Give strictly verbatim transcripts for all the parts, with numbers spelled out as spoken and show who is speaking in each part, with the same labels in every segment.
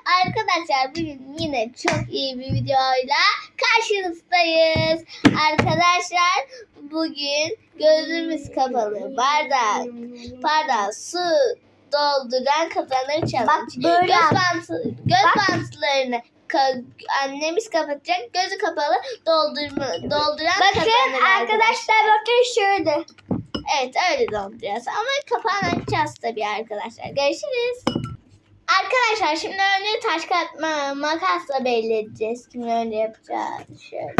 Speaker 1: Arkadaşlar bugün yine çok iyi bir videoyla karşınızdayız. Arkadaşlar bugün gözümüz kapalı bardak, bardağı su dolduran kazanır challenge.
Speaker 2: Bak böyle
Speaker 1: göz bantı, göz bantlarını ka- annemiz kapatacak. Gözü kapalı doldurma, dolduran
Speaker 2: Bakın
Speaker 1: kazanır
Speaker 2: arkadaşlar, bakın şöyle.
Speaker 1: Evet öyle dolduracağız ama kapağını açacağız tabii arkadaşlar. Görüşürüz. Arkadaşlar şimdi önce taş kağıt ma- makasla belli edeceğiz. Kimi önce yapacağız. Şöyle.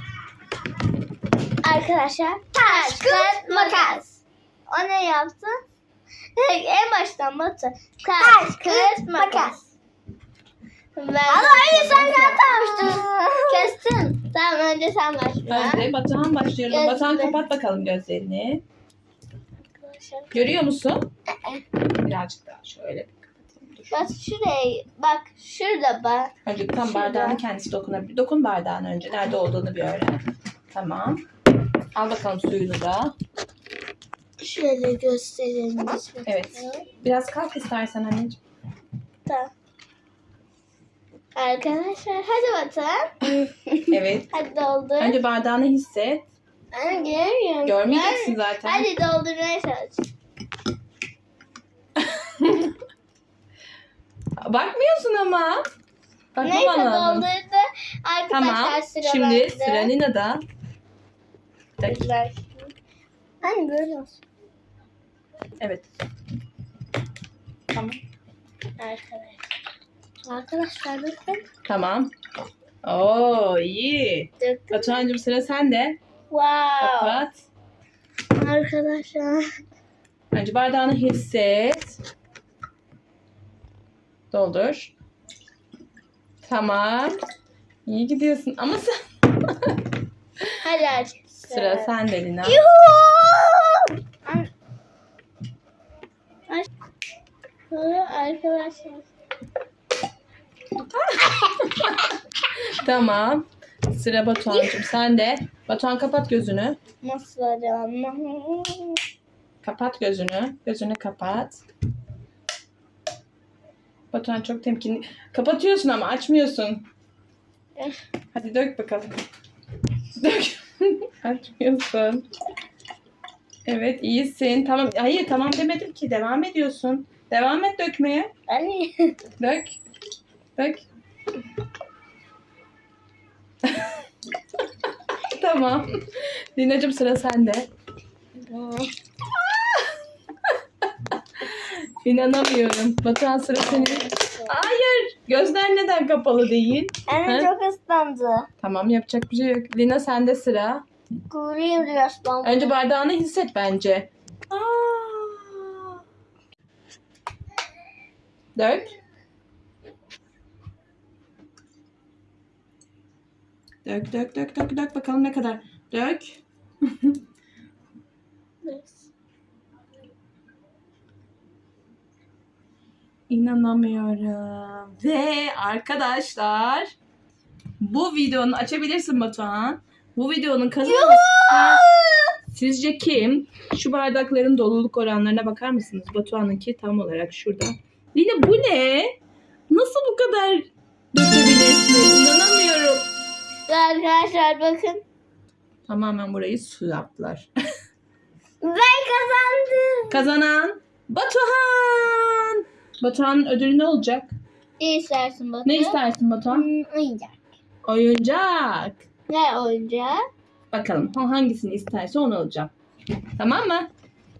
Speaker 1: Arkadaşlar taş kağıt makas. O ne yaptı? En baştan Batu. Taş kağıt makas. Ben
Speaker 2: Ama hayır, sen yapmamıştın.
Speaker 1: Kestin. Tamam önce sen başla.
Speaker 3: Önce Batuhan başlıyorum.
Speaker 1: Gözleri.
Speaker 3: Batuhan kapat bakalım gözlerini. Görüyor musun? Birazcık daha şöyle bir kapatalım. Dur.
Speaker 1: Bak şuraya bak şurada bak.
Speaker 3: Önce tam
Speaker 1: Şurada.
Speaker 3: bardağını kendisi dokunabilir. Dokun bardağın önce. Nerede olduğunu bir öğren. Tamam. Al bakalım suyunu da.
Speaker 1: Şöyle gösterelim.
Speaker 3: Evet. Biraz kalk istersen anneciğim.
Speaker 1: Tamam. Arkadaşlar hadi bakalım.
Speaker 3: Evet.
Speaker 1: Hadi doldur.
Speaker 3: Önce bardağını hisset.
Speaker 1: Ben görmüyorum.
Speaker 3: Görmeyeceksin
Speaker 1: Gör-
Speaker 3: zaten.
Speaker 1: Hadi doldurmaya çalış.
Speaker 3: Bakmıyorsun ama. Bakmaman
Speaker 1: Neyse
Speaker 3: lazım.
Speaker 1: doldurdu. Arkadaşlar
Speaker 3: Tamam.
Speaker 1: sıra
Speaker 3: Şimdi
Speaker 1: bende.
Speaker 3: sıra Nina'da. Bir dakika.
Speaker 1: Ver. Hani böyle olsun.
Speaker 3: Evet. Tamam.
Speaker 1: Arkadaşlar. Arkadaşlar bakın.
Speaker 3: Tamam. Oo iyi.
Speaker 1: Döktüm.
Speaker 3: Batuhan'cığım sıra sende.
Speaker 1: Wow.
Speaker 3: Kapat.
Speaker 1: Arkadaşlar.
Speaker 3: Önce bardağını hisset. Doldur. Tamam. İyi gidiyorsun ama sen...
Speaker 1: Hadi aç.
Speaker 3: Sıra sende Lina.
Speaker 1: Yuhuu! Ay- Ay- Arkadaşlar.
Speaker 3: Tamam. Sıra Batuhan'cığım sende. Batuhan kapat gözünü.
Speaker 1: Nasıl acaba?
Speaker 3: Kapat gözünü. Gözünü kapat. Batuhan çok temkinli. Kapatıyorsun ama açmıyorsun. Hadi dök bakalım. Dök. Açmıyorsun. Evet iyisin. Tamam. Hayır tamam demedim ki. Devam ediyorsun. Devam et dökmeye.
Speaker 1: Ay.
Speaker 3: Dök. Dök. Tamam. Lina'cığım sıra sende. İnanamıyorum. Batuhan sıra senin. Hayır. Gözler neden kapalı değil?
Speaker 1: Anne
Speaker 3: He?
Speaker 1: çok ıslandı.
Speaker 3: Tamam yapacak bir şey yok. Lina sende sıra.
Speaker 1: Kuruyum diyor ıslandı.
Speaker 3: Önce bardağını hisset bence. Aa. Dök. Dök dök dök dök dök bakalım ne kadar. Dök. İnanamıyorum. Ve arkadaşlar bu videonun açabilirsin Batuhan. Bu videonun kazananı sizce kim? Şu bardakların doluluk oranlarına bakar mısınız? Batuhan'ınki tam olarak şurada. Lina bu ne? Nasıl bu kadar dökebilirsin? İnanamıyorum.
Speaker 1: Arkadaşlar bakın.
Speaker 3: Tamamen burayı su yaptılar.
Speaker 1: Ben kazandım.
Speaker 3: Kazanan Batuhan. Batuhan'ın ödülü ne olacak?
Speaker 1: Ne istersin Batu?
Speaker 3: Ne istersin Batuhan?
Speaker 1: Hmm, oyuncak.
Speaker 3: Oyuncak.
Speaker 1: Ne oyuncağı?
Speaker 3: Bakalım o hangisini isterse onu alacağım. Tamam mı?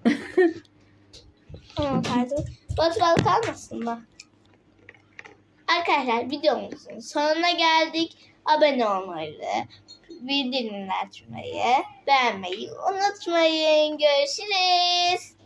Speaker 1: Tamam pardon. Batu balık kalmasın mı? Arkadaşlar videomuzun sonuna geldik. Abone olmayı, bildirimleri açmayı, beğenmeyi unutmayın. Görüşürüz.